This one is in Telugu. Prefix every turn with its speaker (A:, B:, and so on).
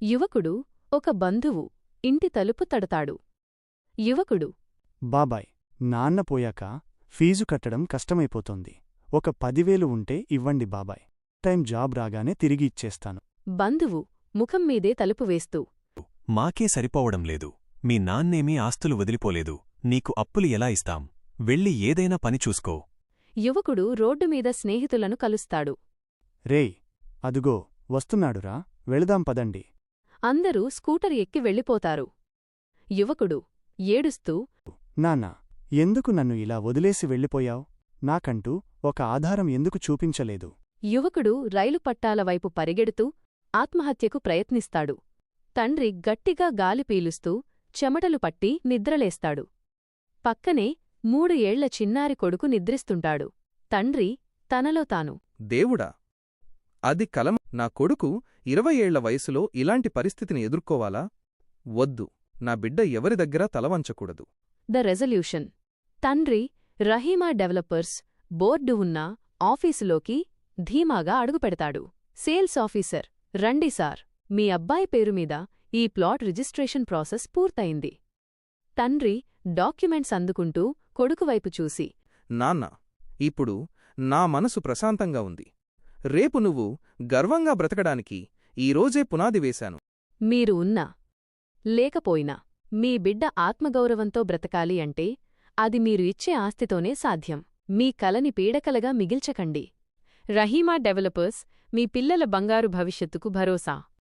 A: యువకుడు ఒక బంధువు ఇంటి తలుపు తడతాడు. యువకుడు:
B: బాబాయ్, నాన్న పోయాక ఫీజు కట్టడం కష్టమైపోతోంది. ఒక 10,000 ఉంటే ఇవ్వండి బాబాయ్. టైం జాబ్ రాగానే తిరిగి ఇచ్చేస్తాను.
A: బంధువు ముఖం మీదే తలుపు వేస్తూ:
C: మాకే సరిపోవడం లేదు. మీ నాన్నేమీ ఆస్తులు వదిలిపోలేదు. నీకు అప్పులు ఎలా ఇస్తాం? వెళ్ళి ఏదైనా పని చూసుకో.
A: యువకుడు రోడ్డుమీద స్నేహితులను కలుస్తాడు.
B: రేయ్, అదుగో వస్తున్నాడురా, వెళదాం పదండి.
A: అందరూ స్కూటర్ ఎక్కి వెళ్ళిపోతారు. యువకుడు ఏడుస్తూ:
B: నాన్నా, ఎందుకు నన్ను ఇలా వదిలేసి వెళ్ళిపోయావ్? నాకంటూ ఒక ఆధారం ఎందుకు చూపించలేదు?
A: యువకుడు రైలు పట్టాల వైపు పరిగెడుతూ ఆత్మహత్యకు ప్రయత్నిస్తాడు. తండ్రి గట్టిగా గాలి పీలుస్తూ చెమటలు పట్టి నిద్రలేస్తాడు. పక్కనే 3 ఏళ్ల చిన్నారి కొడుకు నిద్రిస్తుంటాడు. తండ్రి తనలో తాను:
D: దేవుడా, అది కలం. నా కొడుకు 20 ఏళ్ల వయసులో ఇలాంటి పరిస్థితిని ఎదుర్కోవాలా? వద్దు, నా బిడ్డ ఎవరి దగ్గరా తలవంచకూడదు.
A: The resolution. తండ్రి రహీమా డెవలపర్స్ బోర్డు ఉన్న ఆఫీసులోకి ధీమాగా అడుగుపెడతాడు. సేల్స్ ఆఫీసర్: రండి సార్, మీ అబ్బాయి పేరుమీద ఈ ప్లాట్ రిజిస్ట్రేషన్ ప్రాసెస్ పూర్తయింది. తండ్రి డాక్యుమెంట్స్ అందుకుంటూ కొడుకువైపు చూసి:
D: నాన్న, ఇప్పుడు నా మనసు ప్రశాంతంగా ఉంది. రేపు నువ్వు గర్వంగా బ్రతకడానికి ఈరోజే పునాది వేశాను.
A: మీరు ఉన్నా లేకపోయినా మీ బిడ్డ ఆత్మగౌరవంతో బ్రతకాలి అంటే అది మీరు ఇచ్చే ఆస్తితోనే సాధ్యం. మీ కలని పీడకలగా మిగిల్చకండి. రహీమా డెవలపర్స్, మీ పిల్లల బంగారు భవిష్యత్తుకు భరోసా.